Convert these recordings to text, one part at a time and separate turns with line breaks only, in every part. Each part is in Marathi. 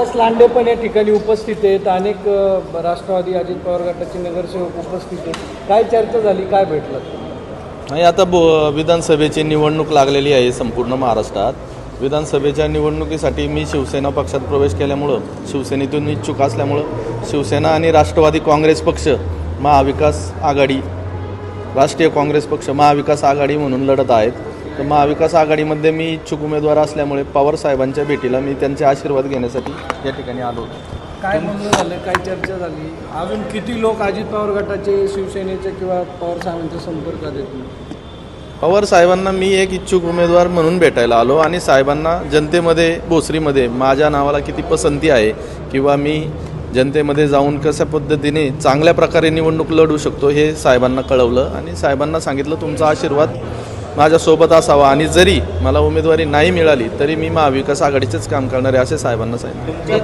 रामदास लांडे पण या ठिकाणी उपस्थित आहेत, अनेक राष्ट्रवादी अजित पवार गटाचे नगरसेवक उपस्थित आहेत. काय चर्चा झाली, काय भेटलं?
नाही, आता विधानसभेची निवडणूक लागलेली आहे संपूर्ण महाराष्ट्रात. विधानसभेच्या निवडणुकीसाठी मी शिवसेना पक्षात प्रवेश केल्यामुळं, शिवसेनेतून इच्छुक असल्यामुळं शिवसेना आणि राष्ट्रवादी काँग्रेस पक्ष महाविकास आघाडी, राष्ट्रीय काँग्रेस पक्ष महाविकास आघाडी म्हणून लढत आहेत. तर महाविकास आघाडीमध्ये मी इच्छुक उमेदवार असल्यामुळे पवार साहेबांच्या भेटीला मी त्यांचे आशीर्वाद घेण्यासाठी या ठिकाणी आलो होतो.
काय म्हणणं झालं, काय चर्चा झाली? अजून किती लोक अजित पवार गटाचे, शिवसेनेचे किंवा पवार साहेबांच्या संपर्कात आहेत?
पवार साहेबांना मी एक इच्छुक उमेदवार म्हणून भेटायला आलो आणि साहेबांना जनतेमध्ये भोसरीमध्ये माझ्या नावाला किती पसंती आहे किंवा मी जनतेमध्ये जाऊन कशा पद्धतीने चांगल्या प्रकारे निवडणूक लढू शकतो हे साहेबांना कळवलं आणि साहेबांना सांगितलं तुमचा आशीर्वाद माझ्यासोबत असावा आणि जरी मला उमेदवारी नाही मिळाली तरी मी महाविकास आघाडीचेच काम करणार आहे असे साहेबांना सांगितलं.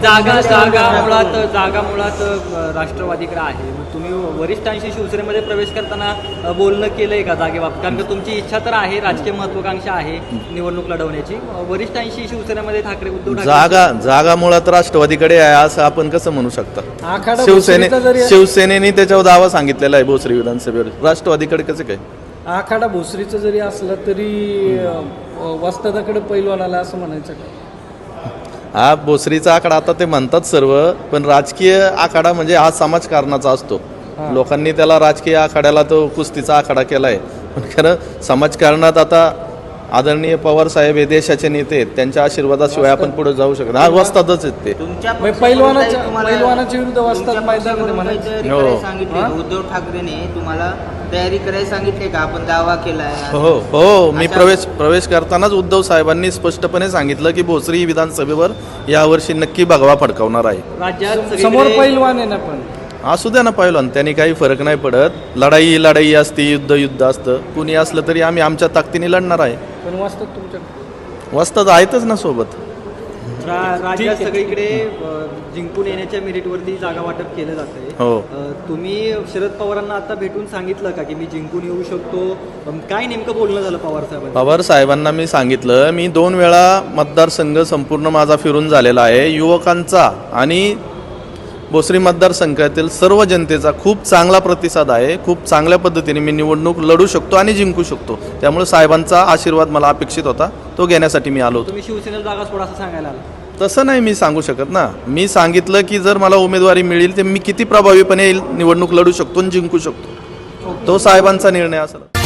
जागा मुळात राष्ट्रवादीकडे आहे. तुम्ही वरिष्ठांशी शिवसेनेमध्ये प्रवेश करताना बोलणं केलंय का जागेबाबत? कारण की तुमची इच्छा तर आहे, राजकीय महत्वाकांक्षा आहे निवडणूक लढवण्याची. वरिष्ठांशी शिवसेनेमध्ये ठाकरे उद्धव
जागा मुळात राष्ट्रवादीकडे आहे असं आपण कसं म्हणू शकता?
आखाडा
शिवसेनेने त्याच्यावर दावा सांगितलेला आहे भोसरी विधानसभेवर, राष्ट्रवादीकडे कसं काय?
आखाडा भोसरीचं जरी असलं तरी वस्तादाकडे पैलवान आला असं म्हणायचं का?
हा भोसरीचा आखाडा आता ते म्हणतात सर्व, पण राजकीय आखाडा म्हणजे हा समाजकारणाचा असतो. लोकांनी त्याला राजकीय आखाड्याला तो कुस्तीचा आखाडा केलाय, पण खरं समाजकारणात आता आदरणीय पवार साहेब हे देशाचे नेते आहेत, त्यांच्या आशीर्वादाशिवाय आपण पुढे जाऊ शकत नाही. वस्तादच आहेत ते.
पैलवानाच्या विरुद्ध वस्ताद मैदानामध्ये म्हणायचं.
उद्धव ठाकरेने तुम्हाला तयारी करायला सांगितले का? आपण दावा केलाय.
हो मी प्रवेश करतानाच उद्धव साहेबांनी स्पष्टपणे सांगितलं की भोसरी विधानसभेवर यावर्षी नक्की भगवा फडकावणार आहे.
राज्यात
समोर पैलवान आहे ना, पण
असू द्या ना पहिलवान, त्यांनी काही फरक नाही पडत. लढाई असते, युद्ध असतं. कुणी असलं तरी आम्ही आमच्या ताकदीने लढणार आहे.
पण वस्ताद तुमच्या
वस्ताद आहेतच ना सोबत.
राज्यात सगळीकडे जिंकून येण्याच्या मेरिटवरती जागा वाटप केलं जातंय.
हो.
तुम्ही शरद पवारांना आता भेटून सांगितलं का की मी जिंकून येऊ शकतो? काय नेमकं बोलणं झालं पवार
साहेबांना मी सांगितलं, मी 2 वेळा मतदारसंघ संपूर्ण माझा फिरून झालेला आहे. युवकांचा आणि भोसरी मतदारसंघातील सर्व जनतेचा खूप चांगला प्रतिसाद आहे. खूप चांगल्या पद्धतीने मी निवडणूक लढू शकतो आणि जिंकू शकतो. त्यामुळे साहेबांचा आशीर्वाद मला अपेक्षित होता, तो घेण्यासाठी मी आलो होतो.
तुम्ही शिवसेनेला जागा सोडा असं सांगायला आला?
तसं नाही मी सांगू शकत ना. मी सांगितलं की जर मला उमेदवारी मिळेल तर मी किती प्रभावीपणे निवडणूक लढू शकतो आणि जिंकू शकतो. तो साहेबांचा निर्णय असेल.